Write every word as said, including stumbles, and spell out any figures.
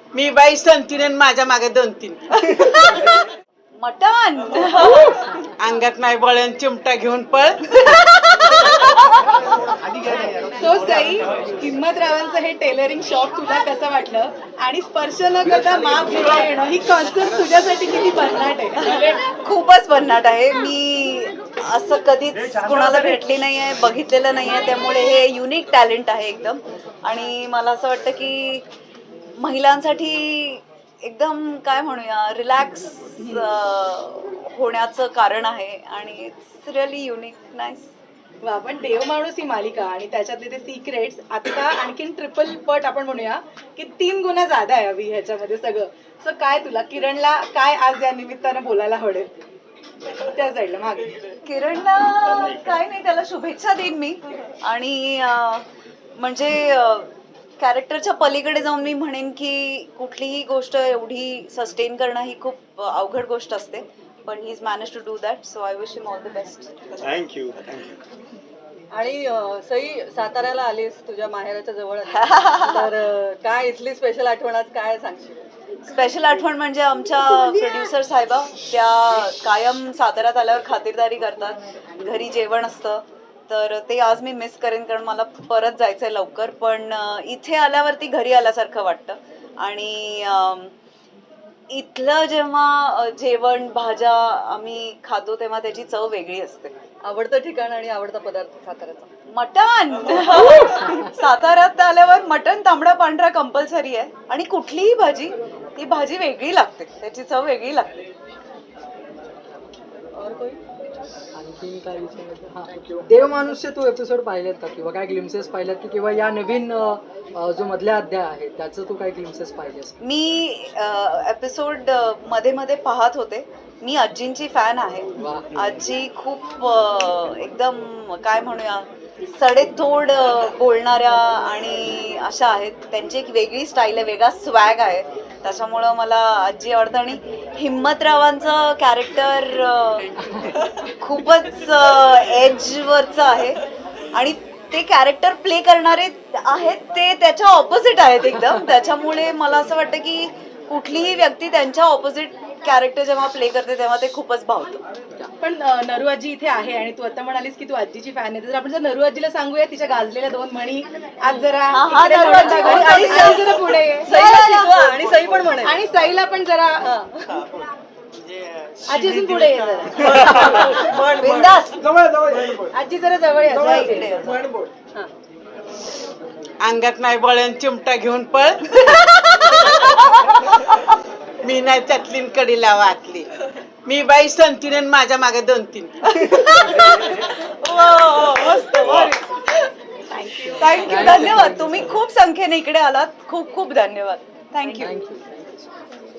Me by संतीन आणि माझ्या मागे दोन तीन मटण अंगात नाही बळण चिमटा घेऊन पळ. सो सई, हिम्मतरावांचं हे टेलरिंग शॉप तुला कसं वाटलं आणि स्पर्श न करता माप घेता येणं ही कॉन्सेप्ट तुझ्यासाठी किती भन्नाट आहे? खूपच भन्नाट आहे. मी असं कधीच कोणाला भेटली नाही आहे, बघितलेलं नाही आहे, त्यामुळे हे युनिक टॅलेंट आहे एकदम. आणि मला असं वाटतं की महिलांसाठी एकदम काय म्हणूया रिलॅक्स होण्याचं कारण आहे आणि इट्स रिअली युनिक नाईस. वा, पण देव माणूस ही मालिका आणि त्याच्यातले ते सिक्रेट्स आता आणखीन ट्रिपल पट आपण म्हणूया की तीन गुन्हा जादा आहे अभि ह्याच्यामध्ये सगळं. सो काय तुला किरणला काय आज या निमित्तानं बोलायला आवडेल? त्या साईडला मागे किरणला काय नाही, त्याला शुभेच्छा देईन मी. आणि अं, म्हणजे कॅरेक्टरच्या पलीकडे जाऊन मी म्हणेन की कुठलीही गोष्ट एवढी सस्टेन करणं ही खूप अवघड गोष्ट असते, पण he is manage to do that. So I wish him all the best. Thank you thank you. आणि अं, सई, साताऱ्याला आलीस, तुझ्या माहेराच्या जवळ आलीस. तर अं, काय इथली स्पेशल आठवण आज काय सांगशील? स्पेशल आठवण म्हणजे आमच्या प्रोड्युसर साहेबा, त्या कायम साताऱ्यात आल्यावर खातिरदारी करतात, घरी जेवण असतं, तर ते आज मी मिस करेन कारण मला परत जायचं आहे लवकर. पण इथे आल्यावरती घरी आल्यासारखं वाटतं. आणि इथलं जेव्हा जेवण भाज्या आम्ही खातो तेव्हा त्याची चव वेगळी असते. आवडतं ठिकाण आणि आवडता पदार्थ साताऱ्याचा? मटण. साताऱ्यात आल्यावर मटण तांबडा पांढरा कंपल्सरी आहे. आणि कुठलीही भाजी, ती भाजी वेगळी लागते, त्याची चव वेगळी लागते. और कोई? आणखीन काय विचारायचं? हां, देव माणूसचे तू एपिसोड पाहिलेत का किंवा काय ग्लिम्सेस पाहिलेत की किंवा या नवीन अ, अ, जो मधल्या अध्याय आहे त्याचं तू काय ग्लिम्सेस पाहिलेस? मी एपिसोड मध्ये मध्ये पाहत होते. मी आजींची फॅन आहे. आजी खूप अ, एकदम काय म्हणूया सडेतोड बोलणाऱ्या आणि अशा आहेत. त्यांची एक वेगळी स्टाईल आहे, वेगळा स्वॅग आहे, त्याच्यामुळं मला आजी आवडतं. आणि हिम्मतरावांचं कॅरेक्टर खूपच एजवरचं आहे आणि ते कॅरेक्टर प्ले करणारे आहेत ते त्याच्या ऑपोजिट आहेत एकदम. त्याच्यामुळे मला असं वाटतं की कुठलीही व्यक्ती त्यांच्या ऑपोजिट कॅरेक्टर जेव्हा प्ले करते तेव्हा ते खूपच भावतं. पण अं, नरू आजी इथे आहे आणि तू आता म्हणालीस की तू आजीची फॅन आहे, तर आपण जर नरू आजीला सांगूया तिच्या गाजलेल्या दोन म्हणी आज जरा हा, हा, इकडे नरू आजी, आणि- आणि सई जरा पुढे ये. सईला शिकवा आणि सई पण म्हणे. आणि सईला पण जरा आजी अजून पुढे ये जरा. बिंदास. आजी जरा जवळ या, जरा इकडे ये. हा. अंगात नाही बळण चिमटा घेऊन पळ. मी नाही त्यातली कडीला वाटली. मी बाई संतीन आणि माझ्या मागे दोन तीन. थँक्यू, धन्यवाद. तुम्ही खूप संख्येने इकडे आलात. खूप खूप धन्यवाद. थँक्यू. थँक्यू.